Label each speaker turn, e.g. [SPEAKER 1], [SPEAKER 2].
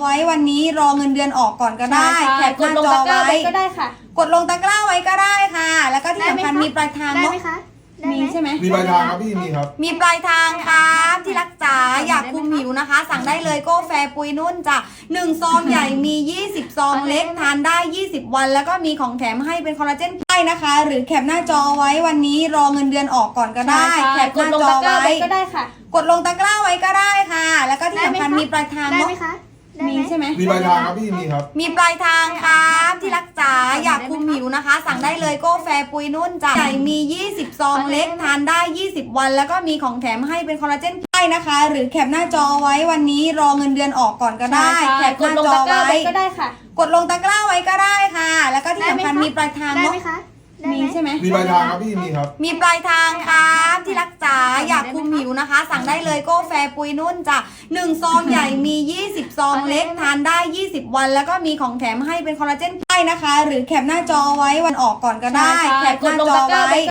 [SPEAKER 1] ไว้วันนี้รอเงินเดือนออกก่อนก็ได้แคปหน้าจอไว้
[SPEAKER 2] ก็ได้ค่ะ
[SPEAKER 1] กดลงตะกร้าไว้ก็ได้ค่ะแล้วก็ที่สำคัญมีปลายทาง
[SPEAKER 2] ได้
[SPEAKER 1] เนาะ
[SPEAKER 2] ไหมคะ
[SPEAKER 1] มีใช่ไหม
[SPEAKER 3] มีปลายทางครับพี่มีครับ
[SPEAKER 1] มีปลายทางครับที่รักจ๋าอยากคุมหิวนะคะ สั่งได้เลยโก้แฟร์ปุยนุ่นจ้ะ1ซองใหญ่มี20ซองเล็กทานได้20วันแล้วก็มีของแถมให้เป็นคอลลาเจนได้นะคะ หรือแคปหน้าจอไว้วันนี้รอเงินเดือนออกก่อนก็ได้แคปหน้าจอไว้
[SPEAKER 2] ก็ได้ค่ะ
[SPEAKER 1] กดลงตะกร้าไว้ก็ได้ค่ะแล้วก็ที่สำคัญมีปลายทาง
[SPEAKER 2] ได้
[SPEAKER 1] เนาะ
[SPEAKER 2] ไหมคะ
[SPEAKER 1] มีใช่ไหม
[SPEAKER 3] มีปลายทางครับพี่มีครับ
[SPEAKER 1] มีปลายทางครับที่รักจ๋าอยากคุมหิวนะคะ สั่งได้เลยโก้แฟร์ปุยนุ่นจ้ะใหญ่มี20ซองเล็กทานได้20วันแล้วก็มีของแถมให้เป็นคอลลาเจนได้นะคะ หรือแคปหน้าจอไว้วันนี้รอเงินเดือนออกก่อนก็ได้แคปหน้าจอไว้
[SPEAKER 2] ก็ได้ค่ะ
[SPEAKER 1] กดลงตะกร้าไว้ก็ได้ค่ะแล้วก็ที่สำคัญมีปลายทาง
[SPEAKER 2] ได้
[SPEAKER 1] เนาะ
[SPEAKER 2] ไหมคะ
[SPEAKER 1] มีใช่ไหม
[SPEAKER 3] มีปลายทางครับพี่มีครับ
[SPEAKER 1] มีปลายทางครับที่รักจ๋าอยากคุมหิวนะคะ สั่งได้เลยโก้แฟร์ปุยนุ่นจ้ะ1ซองใหญ่มี20ซองเล็กทานได้20วันแล้วก็มีของแถมให้เป็นคอลลาเจนได้นะคะ หรือแคปหน้าจอไว้วันออกก่อนก็ได้แคปหน้าจอไว้